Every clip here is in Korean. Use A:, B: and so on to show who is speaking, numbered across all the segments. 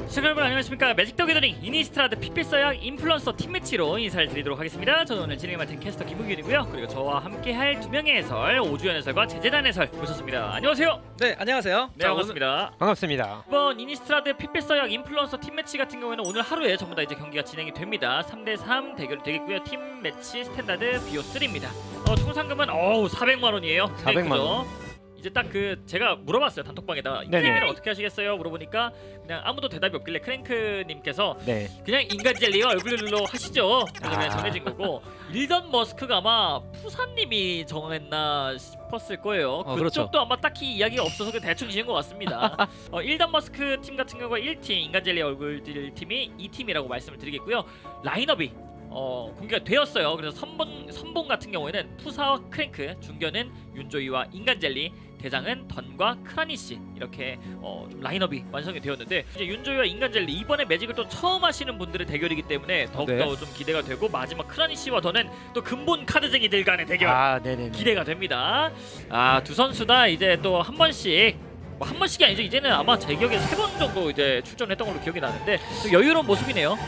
A: 시청자 여러분 안녕하십니까. 매직 더 게더링 이니스트라드 피필서약 인플루언서 팀매치로 인사를 드리도록 하겠습니다. 저는 오늘 진행을 맡은 캐스터 김우균이고요. 그리고 저와 함께할 두 명의 해설, 오주연 해설과 제재단 해설 모셨습니다. 안녕하세요.
B: 네, 안녕하세요.
A: 네, 반갑습니다.
C: 반갑습니다.
A: 이번 이니스트라드 피필서약 인플루언서 팀매치 같은 경우에는 오늘 하루에 전부 다 이제 경기가 진행이 됩니다. 3대3 대결이 되겠고요. 팀매치 스탠다드 BO3입니다. 총 상금은 400만 원이에요.
C: 400만 원.
A: 이제 딱 제가 물어봤어요, 단톡방에다. 이
C: 네네.
A: 게임을 어떻게 하시겠어요? 물어보니까 그냥 아무도 대답이 없길래 크랭크님께서
C: 네.
A: 그냥 인간 젤리와 얼굴로 하시죠. 그래서 그냥 정해진 거고, 일던 머스크가 아마 푸사님이 정했나 싶었을 거예요. 그쪽도
B: 그렇죠.
A: 아마 딱히 이야기가 없어서 그냥 대충 지은 것 같습니다. 일던 머스크 팀 같은 경우가 1팀, 인간 젤리 얼굴들 팀이 2팀이라고 말씀을 드리겠고요. 라인업이 공개가 되었어요. 그래서 선봉 같은 경우에는 푸사와 크랭크, 중견은 윤조이와 인간 젤리, 대장은 던과 크라니씨, 이렇게 좀 라인업이 완성이 되었는데, 이제 윤조이와 인간 젤리 이번에 매직을 또 처음 하시는 분들의 대결이기 때문에 더욱더 좀 기대가 되고, 마지막 크라니씨와 던은 또 근본 카드쟁이들 간의 대결
C: 네네.
A: 기대가 됩니다. 두 선수 다 이제 또 한 번씩, 한 번씩이 아니죠. 이제는 아마 제 기억에 3번 정도 이제 출전했던 걸로 기억이 나는데, 또 여유로운 모습이네요.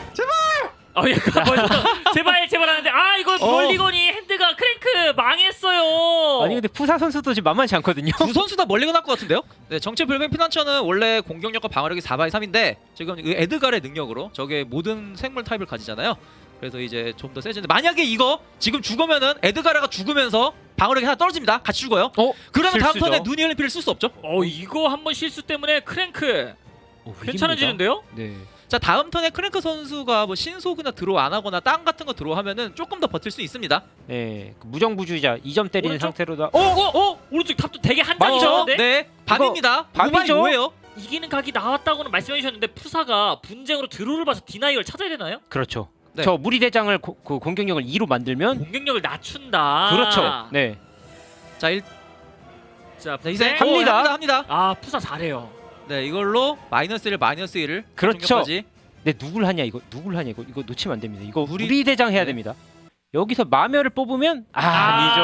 A: 약간 벌써 제발 하는데, 이거 멀리건이 핸드가 크랭크 망했어요.
C: 아니 근데 푸사 선수도 지금 만만치 않거든요.
B: 두 선수 다 멀리가 날 것 같은데요? 네, 정체 불명 피난처는 원래 공격력과 방어력이 4x 3인데 지금 그 에드갈의 능력으로 저게 모든 생물 타입을 가지잖아요. 그래서 이제 좀 더 세지는데, 만약에 이거 지금 죽으면은 에드가라가 죽으면서 방어력이 하나 떨어집니다. 같이 죽어요. 그러면 다음
C: 실수죠.
B: 턴에 누니 올림픽을 쓸 수 없죠.
A: 이거 한번 실수 때문에 크랭크 괜찮아지는데요?
C: 네.
B: 자, 다음 턴에 크랭크 선수가 뭐 신속이나 드로우 안 하거나 땅 같은 거 드로우 하면은 조금 더 버틸 수 있습니다.
C: 네. 그 무정부주의자 2점 때리는
A: 오른쪽?
C: 상태로다.
A: 오른쪽 탑도 되게 한
B: 맞죠?
A: 장이셨는데,
B: 네, 밤입니다.
C: 밤이죠?
B: 5예요.
A: 이기는 각이 나왔다고는 말씀해 주셨는데, 푸사가 분쟁으로 드로우를 봐서 디나이얼 찾아야 되나요?
C: 그렇죠.
B: 네.
C: 저 무리 대장을 그 공격력을 2로 만들면
A: 공격력을 낮춘다.
C: 그렇죠. 네.
B: 자,
A: 자,
B: 이제
C: 합니다.
B: 합니다.
A: 푸사 잘해요.
B: 네, 이걸로 -1, -1을
C: 그렇죠. 네, 누굴 하냐 이거 이거 놓치면 안 됩니다. 이거 무리 대장 해야 됩니다. 여기서 마멸을 뽑으면 아니죠.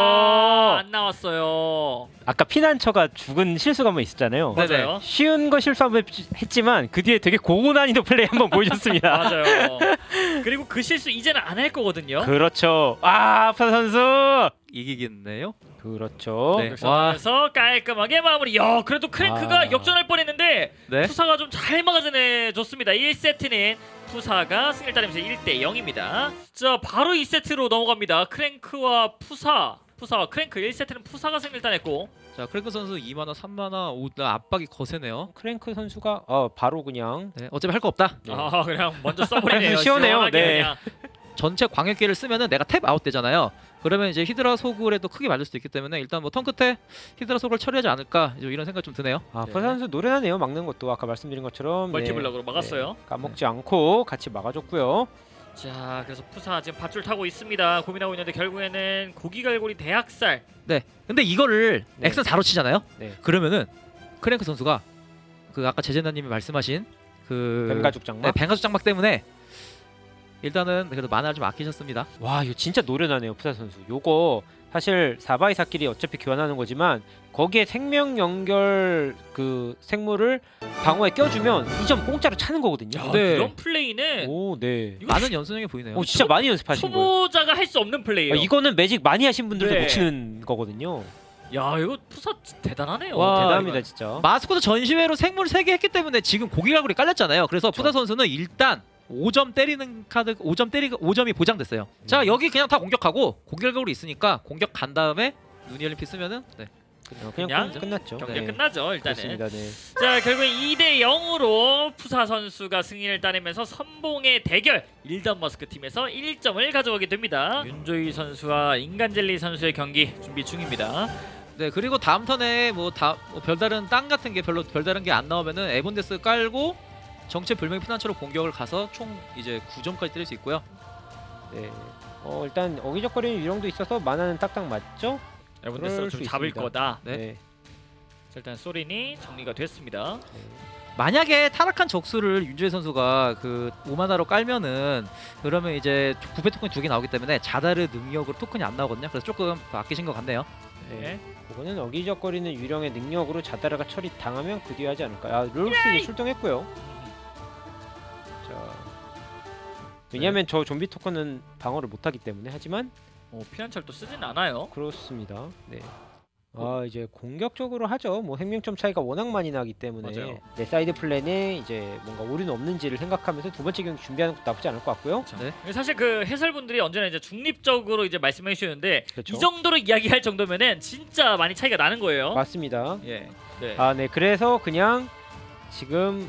A: 안 나왔어요.
C: 아까 피난처가 죽은 실수가 한번 있었잖아요.
B: 네.
A: 맞아요.
C: 쉬운 거 실수 한번 했지만 그 뒤에 되게 고난이도 플레이 한번 보여줬습니다.
A: 맞아요. 그리고 그 실수 이제는 안 할 거거든요.
C: 그렇죠. 푸사 선수.
B: 이기겠네요.
C: 그렇죠.
B: 네.
A: 그래서 깔끔하게 마무리. 그래도 크랭크가 역전할 뻔했는데
B: 네.
A: 푸사가 좀 잘 막아내 줬습니다. 1세트는 푸사가 승리를 따내면서 1대0입니다. 자, 바로 2세트로 넘어갑니다. 크랭크와 푸사와 크랭크. 1세트는 푸사가 승리를 따냈고,
B: 자, 크랭크 선수 2만화, 3만화, 압박이 거세네요.
C: 크랭크 선수가 바로 그냥
B: 네, 어차피 할 거 없다.
C: 네.
A: 그냥 먼저 써버리네요.
C: 시원해요.
A: 시원하게
C: 네.
A: 그냥.
B: 전체 광역기를 쓰면은 내가 탭 아웃 되잖아요. 그러면 이제 히드라 소굴에도 크게 맞을 수도 있기 때문에 일단 뭐 턴 끝에 히드라 소굴 처리하지 않을까, 이런 생각 좀 드네요.
C: 푸사 선수 노련하네요. 막는 것도 아까 말씀드린 것처럼
A: 멀티블럭으로 막았어요.
C: 까먹지 않고 같이 막아줬고요.
A: 자, 그래서 푸사 지금 밧줄 타고 있습니다. 고민하고 있는데 결국에는 고기갈고리 대학살.
B: 네. 근데 이거를
C: 네.
B: 엑슨 4로 치잖아요.
C: 네.
B: 그러면은 크랭크 선수가 그 아까 제재나님이 말씀하신 그
C: 뱀가죽 장막.
B: 네, 뱀가죽 장막 때문에 일단은 그래도 만화를 좀 아끼셨습니다.
C: 와, 이거 진짜 노련하네요, 푸사 선수. 요거 사실 4x4끼리 어차피 교환하는 거지만 거기에 생명 연결 그 생물을 방어에 껴주면 2점 공짜로 차는 거거든요.
B: 네.
A: 이런 플레이는
C: 오, 네.
A: 이거
B: 많은 연습량이 보이네요.
C: 진짜 많이 연습하신 거예요.
A: 초보자가 할 수 없는 플레이예요.
C: 이거는 매직 많이 하신 분들도
A: 네.
C: 못 치는 거거든요.
A: 야, 이거 푸사 대단하네요.
B: 와,
C: 대단합니다,
A: 이거.
C: 진짜.
B: 마스코트 전시회로 생물 3개 했기 때문에 지금 고기갈고리 깔렸잖아요. 그래서 푸사 선수는 일단 5점 때리는 카드 5점이 보장됐어요. 자, 여기 그냥 다 공격하고 고기갈고리 있으니까 공격 간 다음에 누니 올림픽 쓰면은
C: 그냥 끝났죠.
A: 경기
B: 네.
A: 끝나죠, 일단은.
C: 그렇습니다. 네.
A: 자, 결국엔 2대0으로 푸사 선수가 승리를 따내면서 선봉의 대결, 일던 머스크 팀에서 1점을 가져가게 됩니다. 윤조이 선수와 인간젤리 선수의 경기 준비 중입니다.
B: 네, 그리고 다음 턴에 뭐 별다른 땅 같은 게 별로 별다른 게 안 나오면은 에본데스 깔고 정체 불명의 피난처로 공격을 가서 총 이제 9점까지 때릴 수 있고요.
C: 네. 일단 어기적거리는 유령도 있어서 만화는 딱딱 맞죠?
A: 여러분들
C: 그럴
A: 좀
C: 수
A: 잡을
C: 있습니다.
A: 거다.
B: 네.
A: 자, 일단 소린이 정리가 됐습니다.
B: 만약에 타락한 적수를 윤주혜 선수가 그 5만화로 깔면은 그러면 이제 부패 토큰이 2개 나오기 때문에 자다르 능력으로 토큰이 안 나오거든요. 그래서 조금 아끼신 것 같네요.
A: 네.
C: 그거는 어기적거리는 유령의 능력으로 자다라가 처리 당하면 그 뒤에 하지 않을까. 롤스 이제 출동했고요. 왜냐하면 저 좀비 토큰은 방어를 못하기 때문에 하지만
A: 피난철도 쓰진 않아요.
C: 그렇습니다. 네. 이제 공격적으로 하죠. 뭐 생명점 차이가 워낙 많이 나기 때문에
A: 맞아요.
C: 네, 사이드 플랜에 이제 뭔가 오류는 없는지를 생각하면서 두 번째 경기 준비하는 것도 나쁘지 않을 것 같고요.
A: 네. 사실 그 해설분들이 언제나 이제 중립적으로 이제 말씀해 주시는데
C: 그렇죠.
A: 이 정도로 이야기할 정도면은 진짜 많이 차이가 나는 거예요.
C: 맞습니다.
A: 예. 네.
C: 네. 그래서 그냥 지금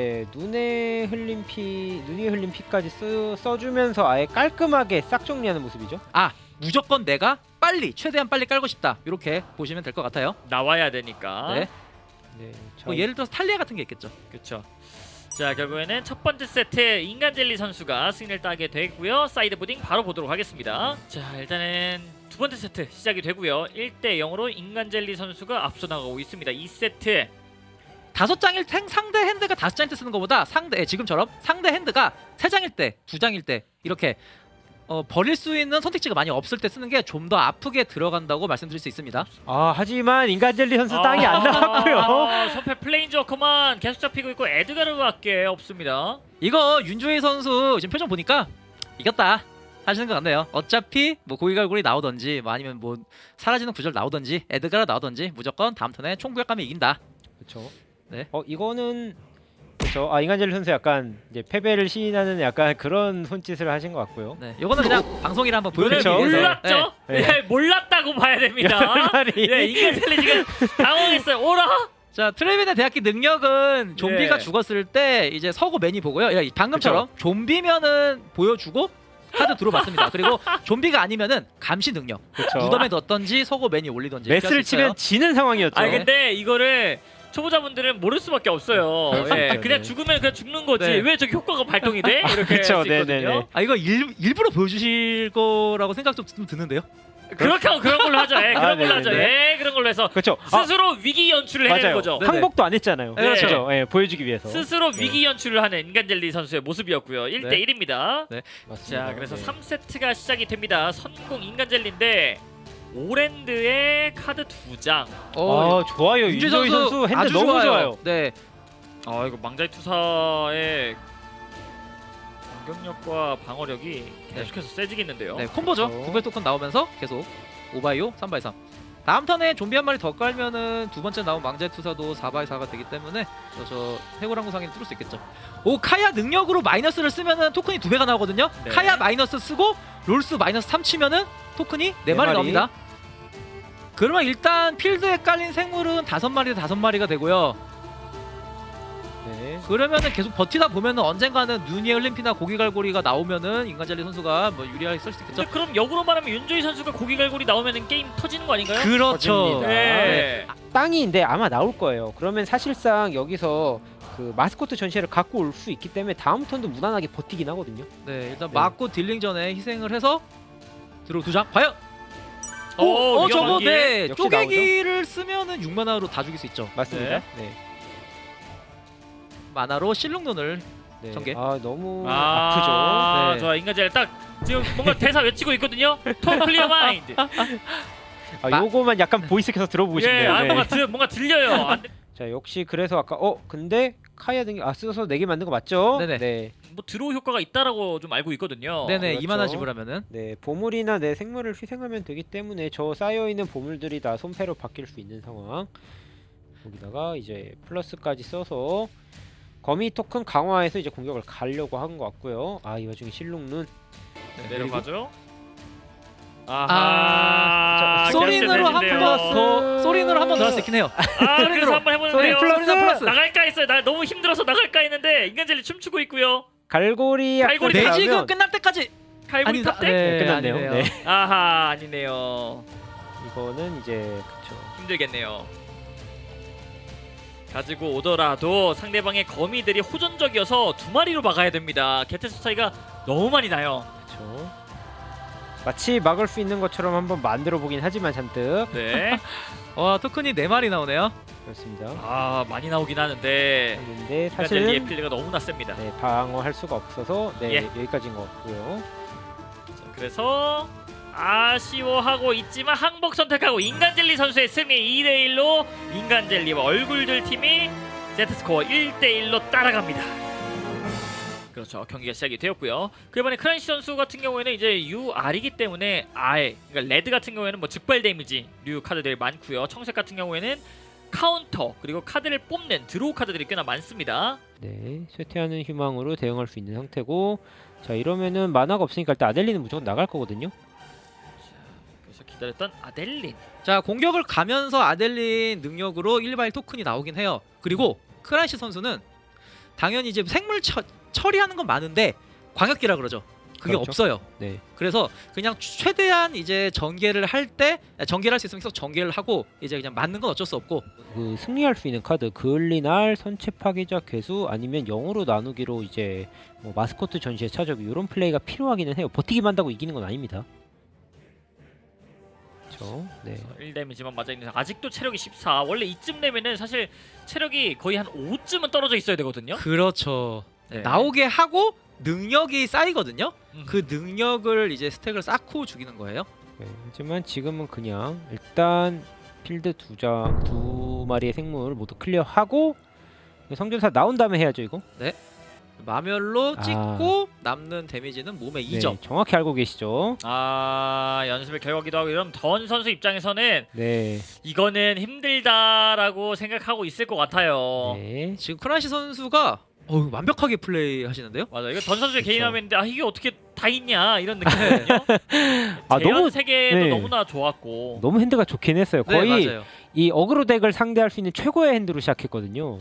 C: 눈에 흘린 피까지 써주면서 아예 깔끔하게 싹 정리하는 모습이죠.
B: 무조건 내가 최대한 빨리 깔고 싶다. 이렇게 보시면 될 것 같아요.
A: 나와야 되니까.
B: 네.
C: 네. 자,
B: 뭐 예를 들어서 탈리아 같은 게 있겠죠.
A: 그렇죠. 자, 결국에는 첫 번째 세트 인간젤리 선수가 승리를 따게 되고요. 사이드 보딩 바로 보도록 하겠습니다. 자, 일단은 두 번째 세트 시작이 되고요. 1대 0으로 인간젤리 선수가 앞서 나가고 있습니다. 2세트.
B: 5장일 때 상대 핸드가 5장일 때 쓰는 것보다 지금처럼 상대 핸드가 3장일 때, 2장일 때 이렇게 버릴 수 있는 선택지가 많이 없을 때 쓰는 게 좀 더 아프게 들어간다고 말씀드릴 수 있습니다.
C: 하지만 인간젤리 선수 땅이 안 나왔고요.
A: 선패 플레인저커만 계속 잡히고 있고 에드가르밖에 없습니다.
B: 이거 윤조희 선수 지금 표정 보니까 이겼다 하시는 것 같네요. 어차피 뭐 고기갈고리 나오던지 뭐 아니면 뭐 사라지는 구절 나오던지 에드가르 나오던지 무조건 다음 턴에 총구역 가면 이긴다.
C: 그렇죠.
B: 네.
C: 이거는 그렇죠. 인간젤리 선수 약간 이제 패배를 시인하는 약간 그런 손짓을 하신 것 같고요.
B: 네, 이거는 그냥 방송이라 한번
A: 그렇죠.
B: 보여드리기 위해서.
A: 몰랐죠?
C: 네.
A: 네, 몰랐다고 봐야 됩니다.
C: 말이.
A: 네, 인간젤리 지금 당황했어요. 오라?
B: 자, 트레비네 대학기 능력은 좀비가
A: 네.
B: 죽었을 때 이제 서고 매니 보고요. 야, 방금처럼 좀비면은 보여주고 카드 들어봤습니다. 그리고 좀비가 아니면은 감시 능력.
C: 그렇죠.
B: 무덤에 넣었던지 서고 매니 올리던지. 이렇게
C: 메스를
B: 할수 있어요.
C: 치면 지는 상황이었죠.
A: 아니 근데 이거를 초보자분들은 모를 수밖에 없어요.
C: 그렇죠.
A: 예,
C: 네.
A: 그냥 죽으면 그냥 죽는 거지.
B: 네.
A: 왜 저기 효과가 발동이 돼? 이렇게
C: 그렇죠.
A: 할 수 있거든요.
C: 네네네.
B: 이거 일부러 보여주실 거라고 생각 좀 드는데요.
A: 그렇게 하고 그런 걸로 하죠. 예, 그런 걸로 하죠.
C: 네네네.
A: 예, 그런 걸로 해서
C: 그렇죠.
A: 스스로 위기 연출을 해내는
C: 맞아요.
A: 거죠.
B: 네네.
C: 항복도 안 했잖아요.
B: 네, 그렇죠.
C: 그렇죠. 예, 보여주기 위해서.
A: 스스로 위기 연출을 하는 인간젤리 선수의 모습이었고요. 1대 1입니다.
C: 맞습니다.
A: 자, 그래서
C: 네.
A: 3세트가 시작이 됩니다. 선공 인간젤리인데 오랜드의 카드 2장.
C: 좋아요. 윤조희 선수 핸드
B: 아주
C: 너무 좋아요.
B: 네,
A: 이거 망자의 투사의 공격력과 방어력이 계속해서 세지겠는데요.
B: 네 콤보죠.
C: 그렇죠.
B: 구별 토큰 나오면서 계속 5x5, 3x3. 다음 턴에 좀비 한 마리 더 깔면은 두 번째 나온 망자의 투사도 4x4가 되기 때문에 저 해골항구 상인을 뚫을 수 있겠죠. 카야 능력으로 마이너스를 쓰면은 토큰이 2배가 나오거든요.
A: 네.
B: 카야 마이너스 쓰고 롤스 마이너스 3 치면은 토큰이 4마리
C: 마리.
B: 나옵니다. 그러면 일단 필드에 깔린 생물은 5마리가 되고요.
C: 네.
B: 그러면은 계속 버티다 보면은 언젠가는 눈이 흘린 피나 고기갈고리가 나오면은 인간젤리 선수가 뭐 유리하게 쓸 수 있겠죠.
A: 근데 그럼 역으로 말하면 윤조희 선수가 고기갈고리 나오면은 게임 터지는 거 아닌가요?
B: 그렇죠.
C: 터집니다.
A: 네.
C: 땅이인데 아마 나올 거예요. 그러면 사실상 여기서 그 마스코트 전시회를 갖고 올 수 있기 때문에 다음 턴도 무난하게 버티긴 하거든요.
B: 네, 일단
C: 네.
B: 맞고 딜링 전에 희생을 해서 들어 2장. 과연
A: 위험한
B: 저거
A: 길.
B: 네
C: 역시
B: 쪼개기를 쓰면은 6만화로 다 죽일 수 있죠.
C: 맞습니다. 네.
B: 만화로 실룩눈을
C: 네.
B: 전개.
C: 너무 아프죠.
B: 네.
A: 좋아, 인간젤리 딱 지금 뭔가 대사 외치고 있거든요. 톤 클리어 마인드.
C: 요거만 약간 보이스켜서 들어보고
A: 예,
C: 싶네요. 네.
A: 뭔가 들려요. 안 돼.
C: 자, 역시 그래서 아까 근데 카야 등이 써서 4개 만든 거 맞죠?
B: 네네.
C: 네.
A: 뭐 드로우 효과가 있다라고 좀 알고 있거든요.
B: 네네
C: 그렇죠.
B: 2만화 지불하면은
C: 네, 보물이나 내 생물을 희생하면 되기 때문에 저 쌓여 있는 보물들이 다 손패로 바뀔 수 있는 상황. 여기다가 이제 플러스까지 써서 거미 토큰 강화해서 이제 공격을 가려고 한 것 같고요. 이 와중에 실룩눈.
A: 내려가죠.
B: 아, 소린으로 한 번 더 할 수 있긴 해요.
A: 그래서 한번 해보는데요.
C: 소린 플러스.
A: 나갈까 했어요. 나 너무 힘들어서 나갈까 했는데 인간젤리 춤추고 있고요.
C: 갈고리
A: 갈고리
C: 앞으로
B: 매직은
C: 나오면
B: 끝날 때까지
A: 칼부리 탑대?
C: 네, 끝났네요.
B: 아니네요.
C: 네.
A: 아하, 아니네요.
C: 이거는 이제 그쵸.
A: 힘들겠네요. 가지고 오더라도 상대방의 거미들이 호전적이어서 2마리로 막아야 됩니다. 개체수 차이가 너무 많이 나요.
C: 그쵸. 마치 막을 수 있는 것처럼 한번 만들어 보긴 하지만 잔뜩
A: 네.
B: 토큰이 4마리 나오네요.
C: 그렇습니다.
A: 많이 나오긴 하는데
C: 근데
A: 인간젤리의
C: 사실은
A: 필드가 너무나 셉니다.
C: 방어할 수가 없어서
A: 예.
C: 여기까지인 것 같고요.
A: 자, 그래서 아쉬워하고 있지만 항복 선택하고 인간젤리 선수의 승리 2대1로 인간젤리와 얼굴들 팀이 세트스코어 1대1로 따라갑니다. 그렇죠. 경기가 시작이 되었고요. 그 이번에 크란시 선수 같은 경우에는 이제 UR이기 때문에 아예 그러니까 레드 같은 경우에는 뭐 즉발 데미지 류 카드들이 많고요. 청색 같은 경우에는 카운터 그리고 카드를 뽑는 드로우 카드들이 꽤나 많습니다.
C: 네, 쇠퇴하는 희망으로 대응할 수 있는 상태고, 자 이러면은 만화가 없으니까 일단 아델리는 무조건 나갈 거거든요.
A: 그래서 기다렸던 아델린.
B: 자 공격을 가면서 아델린 능력으로 1발 토큰이 나오긴 해요. 그리고 크란시 선수는 당연히 이제 생물 처리하는 건 많은데 광역기라 그러죠. 그게
C: 그렇죠.
B: 없어요.
C: 네,
B: 그래서 그냥 최대한 이제 전개를 할 때 전개를 할 수 있으면 계속 전개를 하고 이제 그냥 맞는 건 어쩔 수 없고.
C: 그 승리할 수 있는 카드 그을리날, 선체 파괴자 괴수 아니면 0으로 나누기로 이제 뭐 마스코트 전시에 차저기 이런 플레이가 필요하기는 해요. 버티기만 한다고 이기는 건 아닙니다. 그렇죠. 네.
A: 1데미지만 맞아 있는 아직도 체력이 14. 원래 이쯤 되면은 사실 체력이 거의 한 5쯤은 떨어져 있어야 되거든요.
B: 그렇죠.
A: 네.
B: 나오게 하고 능력이 쌓이거든요.
A: 음.
B: 그 능력을 이제 스택을 쌓고 죽이는 거예요.
C: 네, 하지만 지금은 그냥 일단 필드 두 마리의 생물 모두 클리어하고 성전사 나온 다음에 해야죠 이거.
B: 마멸로
C: 아.
B: 찍고 남는 데미지는 몸에 2점.
C: 네, 정확히 알고 계시죠.
A: 아 연습의 결과기도 하고 이런 던 선수 입장에서는
C: 네,
A: 이거는 힘들다라고 생각하고 있을 것 같아요.
C: 네.
B: 지금 크란시 선수가 완벽하게 플레이 하시는데요.
A: 맞아 이거 던 선수의
C: 그쵸.
A: 개인 화면인데 아 이게 어떻게 다 있냐 이런 느낌이거든요.
C: 아,
A: 재현
C: 너무-
A: 세계도
C: 네.
A: 너무나 좋았고
C: 너무 핸드가 좋긴 했어요.
B: 네,
C: 거의
B: 맞아요.
C: 이 어그로 덱을 상대할 수 있는 최고의 핸드로 시작했거든요.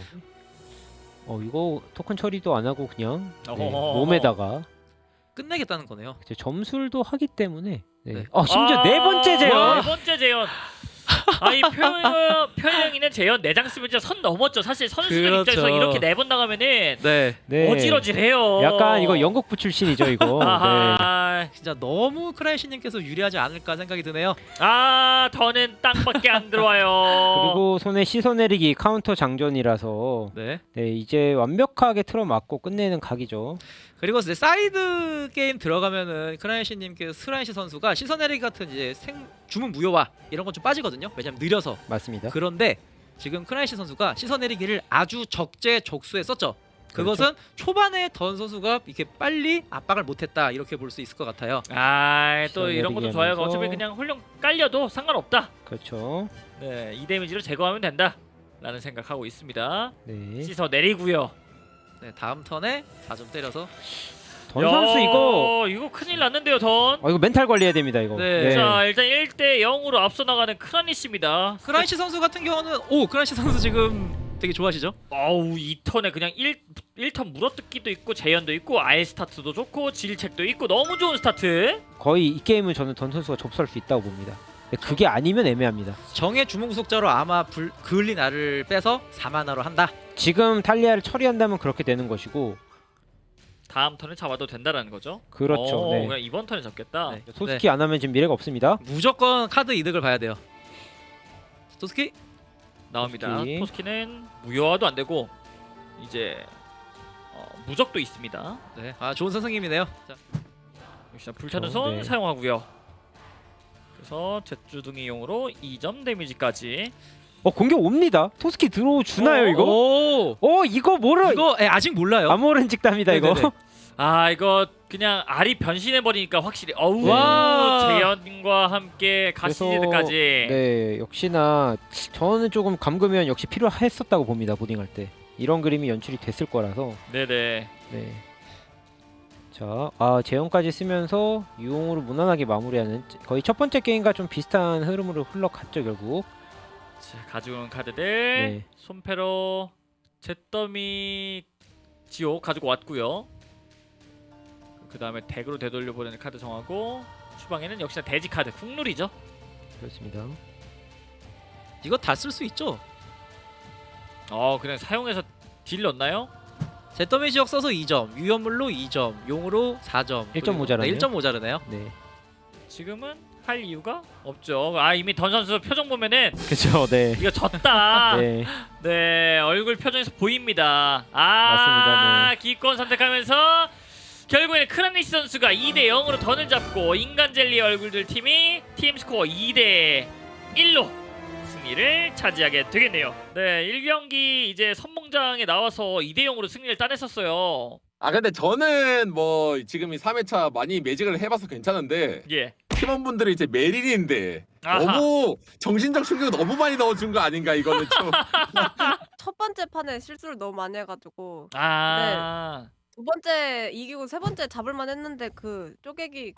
C: 이거 토큰 처리도 안 하고 그냥 네,
A: 어허허허.
C: 몸에다가
B: 끝내겠다는 거네요.
C: 이제 점술도 하기 때문에 네.
B: 네.
C: 심지어 네 번째
A: 네
C: 제어.
A: 번째 재현. 아이 표영이는 재현 4장 쓰면 진짜 선 넘었죠. 사실 선수들
B: 그렇죠.
A: 입장에서 이렇게 4번 나가면은
B: 네,
C: 네.
A: 어지러지해요.
C: 약간 이거 영국부 출신이죠 이거. 네.
A: 아하.
B: 진짜 너무 크란시님께서 유리하지 않을까 생각이 드네요.
A: 아 더는 땅밖에 안 들어와요.
C: 그리고 손에 씻어 내리기 카운터 장전이라서
B: 네.
C: 네, 이제 완벽하게 틀어맞고 끝내는 각이죠.
B: 그리고 이제 사이드 게임 들어가면은 크란시님께서 크란시 선수가 시선내리기 같은 이제 주문 무효화 이런 건 좀 빠지거든요. 왜냐면 느려서.
C: 맞습니다.
B: 그런데 지금 크란시 선수가 시선내리기를 아주 적재적소에 썼죠. 그것은
C: 그렇죠.
B: 초반에 던 선수가 이렇게 빨리 압박을 못했다 이렇게 볼 수 있을 것 같아요.
A: 아 또 이런 것도 좋아요.
C: 내리기
A: 어차피
C: 하면서.
A: 그냥 훌륭 깔려도 상관없다.
C: 그렇죠.
A: 네, 이 데미지로 제거하면 된다. 라는 생각하고 있습니다.
C: 네.
A: 씻어 내리고요.
B: 네, 다음 턴에 4점 때려서
C: 던 선수
A: 이거 큰일 났는데요, 던.
C: 이거 멘탈 관리해야 됩니다 이거.
B: 네.
A: 자, 일단 1대 0으로 앞서 나가는 크라니스입니다.
B: 크란시 선수 같은 경우는 크란시 선수 지금 되게 좋아하시죠?
A: 어우, 이 턴에 그냥 1턴 물어뜯기도 있고 재현도 있고 아예 스타트도 좋고 질책도 있고 너무 좋은 스타트.
C: 거의 이 게임은 저는 던 선수가 접수할 수 있다고 봅니다. 근데 그게 아니면 애매합니다.
B: 정의 주문구속자로 아마 그을린 알을 빼서 4만화로 한다.
C: 지금 탈리아를 처리한다면 그렇게 되는 것이고
A: 다음 턴에 잡아도 된다라는 거죠.
C: 그렇죠. 네.
A: 그냥 이번 턴에 잡겠다.
B: 네.
C: 소스키 안 하면 지금 미래가 없습니다.
B: 무조건 카드 이득을 봐야 돼요. 토스키?
A: 나옵니다.
C: 토스키.
A: 토스키는 무효화도 안 되고 이제 무적도 있습니다.
B: 네. 좋은 선생님이네요. 자,
A: 역시나 불타는
C: 그렇죠.
A: 손
C: 네.
A: 사용하고요. 그래서 jet주둥이용으로 2점 데미지까지.
C: 공격 옵니다. 토스키 들어주나요 이거? 이거 뭐라?
B: 이거 아직 몰라요.
C: 아모른 직답니다 이거.
B: 네네네.
A: 아 이거 그냥 알이 변신해 버리니까 확실히 어우
B: 와.
A: 재현과 함께 가시즈드까지.
C: 네, 역시나 저는 조금 감금면 역시 필요했었다고 봅니다. 보딩할 때 이런 그림이 연출이 됐을 거라서.
A: 네네.
C: 네. 자, 재현까지 쓰면서 유용으로 무난하게 마무리하는 거의 첫 번째 게임과 좀 비슷한 흐름으로 흘러갔죠 결국.
A: 자, 가지고 온 카드들
C: 네.
A: 손패로 잿더미 지옥 가지고 왔고요. 그 다음에 덱으로 되돌려 보내는 카드 정하고 추방에는 역시나 돼지 카드 국룰이죠.
C: 그렇습니다.
B: 이거 다 쓸 수 있죠?
A: 그냥 사용해서 딜 넣나요?
B: 잿더미 지역 써서 2점, 위험물로 2점, 용으로 4점.
C: 1점 모자라네요.
B: 1점 모자르네요.
C: 네.
A: 지금은 할 이유가 없죠. 이미 던 선수 표정 보면은
C: 그렇죠. 네.
A: 이거 졌다.
C: 네.
A: 네, 얼굴 표정에서 보입니다.
C: 맞습니다, 네.
A: 기권 선택하면서 결국에는 크라니스 선수가 2대 0으로 던을 잡고 인간 젤리 얼굴들 팀이 팀 스코어 2대 1로 승리를 차지하게 되겠네요. 네, 1경기 이제 선봉장에 나와서 2대 0으로 승리를 따냈었어요.
D: 아 근데 저는 뭐 지금 이 3회차 많이 매직을 해봐서 괜찮은데
A: 예.
D: 팀원분들이 이제 메릴인데
A: 아하.
D: 너무 정신적 충격을 너무 많이 넣어준 거 아닌가 이거는 좀.
E: 첫 번째 판에 실수를 너무 많이 해가지고
A: 아.
E: 두 번째 이기고 세 번째 잡을만 했는데 그 쪼개기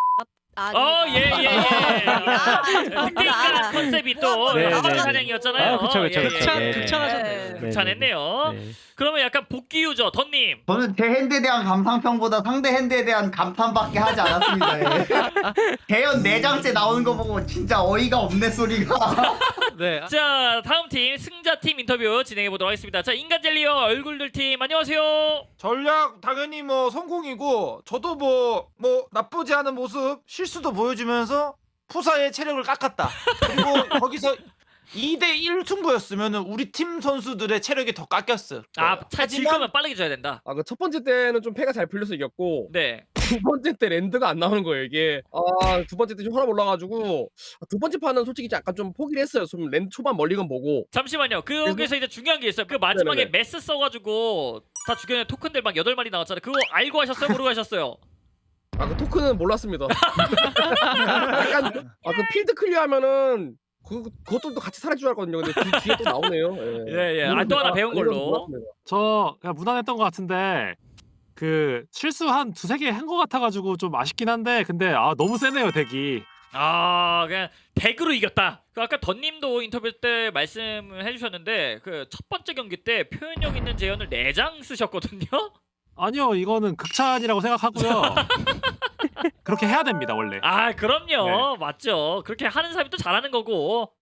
A: 예예예.
E: 아,
A: 그때니까 컨셉이 또
C: 네,
A: 나발
C: 네, 네.
A: 사냥이었잖아요.
C: 그쵸, 그쵸,
A: 예,
C: 그쵸.
A: 예.
C: 네.
B: 극찬하셨네요.
A: 극찬했네요.
C: 네.
A: 그러면 약간 복귀 유저 던님.
F: 저는 제 핸드에 대한 감상평보다 상대 핸드에 대한 감탄밖에 하지 않았습니다. 예. 대연 4장째 나오는 거 보고 진짜 어이가 없네 소리가.
B: 네.
A: 자 다음 팀 승자 팀 인터뷰 진행해 보도록 하겠습니다. 자 인간 젤리어 얼굴들 팀 안녕하세요.
G: 전략 당연히 뭐 성공이고 저도 뭐 나쁘지 않은 모습 실수도 보여주면서 푸사의 체력을 깎았다. 그리고 거기서 2대1 승부였으면 우리 팀 선수들의 체력이 더 깎였어요.
A: 아차 질 거면 빠르게 줘야 된다.
H: 아 그 첫 번째 때는 좀 패가 잘 풀려서 이겼고
A: 네.
H: 두 번째 때 랜드가 안 나오는 거예요 이게. 아 두 번째 때 좀 혈압 올라가지고 두 번째 판은 솔직히 약간 좀 포기를 했어요. 좀 랜드 초반 멀리건 보고.
A: 잠시만요. 거기서 이제 중요한 게 있어요. 그 마지막에
H: 네네네.
A: 메스 써가지고 다 죽여낸 토큰들 막 8마리 나왔잖아요. 그거 알고 하셨어요? 모르고 하셨어요?
H: 아 그 토큰은 몰랐습니다. 약간 그 필드 클리어하면은 그것도 같이 사라질 줄 알았거든요. 근데 뒤에 또 나오네요.
A: 예. 아, 또 하나 배운 걸로.
H: 몰랐습니다.
I: 저 그냥 무난했던 것 같은데 그 실수 한 2-3개 한 것 같아가지고 좀 아쉽긴 한데 근데 너무 세네요 덱이.
A: 아 그냥 덱으로 이겼다. 그 아까 던님도 인터뷰 때 말씀을 해주셨는데 그 첫 번째 경기 때 표현력 있는 재현을 4장 쓰셨거든요.
I: 아니요 이거는 극찬이라고 생각하고요. 그렇게 해야 됩니다 원래.
A: 아 그럼요. 맞죠. 그렇게 하는 사람이 또 잘하는 거고.